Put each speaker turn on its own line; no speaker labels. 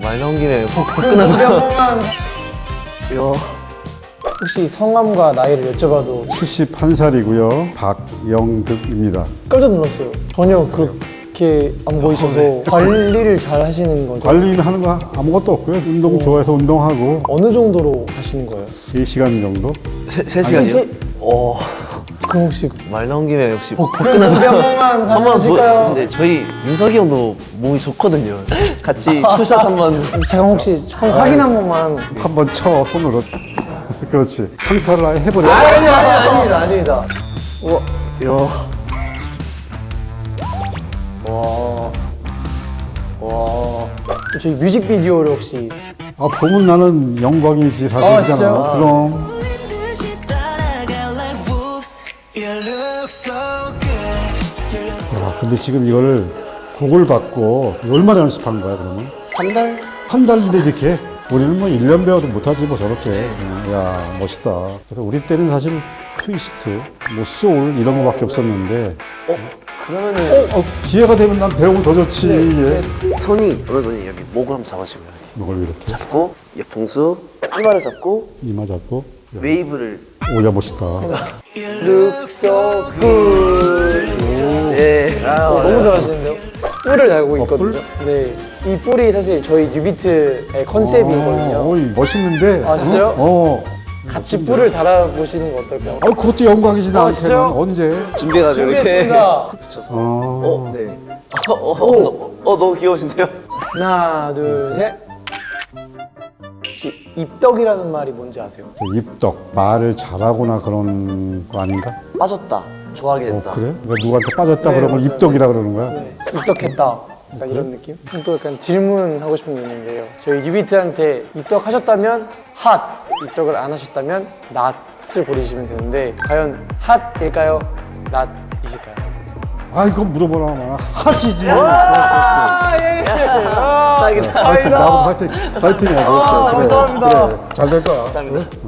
말 나온 김에 복근하고.
혹시 성함과 나이를 여쭤봐도
71살이고요. 박영득입니다.
깜짝 놀랐어요. 전혀 그렇게 안 보이셔서 관리를 잘 하시는 거죠?
관리는 하는 거 아무것도 없고요. 운동 좋아해서 운동하고
어느 정도로 하시는 거예요?
3시간 정도?
3시간이요?
그럼 혹시
말 나온 김에 역시
복근 한 번만 하실까요?
근데 저희 민석이 형도 몸이 좋거든요. 같이 투샷 한번.
제가 혹시 확인 한 번만.
한번 쳐, 손으로. 그렇지. 상타를 아예 해버려.
아닙니다. 우와. 저희 뮤직비디오를 혹시
아, 보면 나는 영광이지, 사실이잖아.
진짜요?
그럼. 야, 근데 지금 이거를 곡을 받고 얼마나 연습한 거야, 그러면?
한 달?
한 달인데 이렇게? 우리는 뭐 1년 배워도 못하지 뭐 저렇게. 야, 멋있다. 그래서 우리 때는 사실 트위스트, 뭐 소울 이런 거밖에 없었는데
그러면은
기회가 되면 난 배우면 더 좋지. 예.
손이 어느 손이 여기 목을 한번 잡아주고요.
이걸 이렇게
잡고 옆통수 이마를 잡고
이마 잡고.
웨이브를.
오, 야, 멋있다.
Look so good.
네.
너무 잘하시는데요? 뿔을 달고 있거든요. 네. 이 뿔이 사실 저희 뉴비트의 컨셉이거든요.
어이, 멋있는데.
아, 진짜요? 같이 뿔을 달아보시는 거 어떨까요?
아, 그것도 영광이지 나한테는.
진짜요?
언제?
준비해가지고 이렇게
준비했습니다.
붙여서.
네.
너무 귀여우신데요?
하나, 둘, 셋. 혹시 입덕이라는 말이 뭔지 아세요?
입덕, 말을 잘하거나 그런 거 아닌가?
빠졌다. 좋아하게 됐다.
그래? 그러니까 누구한테 빠졌다
네,
그러면
맞아요.
입덕이라 그러는 거야?
네. 입덕했다. 약간 이런 느낌? 또 약간 질문하고 싶은 게 있는데요. 저희 뉴비트한테 입덕하셨다면 핫, 입덕을 안 하셨다면 낫을 보내주시면 되는데 과연 핫일까요? 낫이실까요?
아, 이거 물어보라 마나 하시지.
딱이다.
파이팅, 나도 파이팅, 파이팅이야. 그래,
감사합니다.
그래, 잘 될 거야.
감사합니다.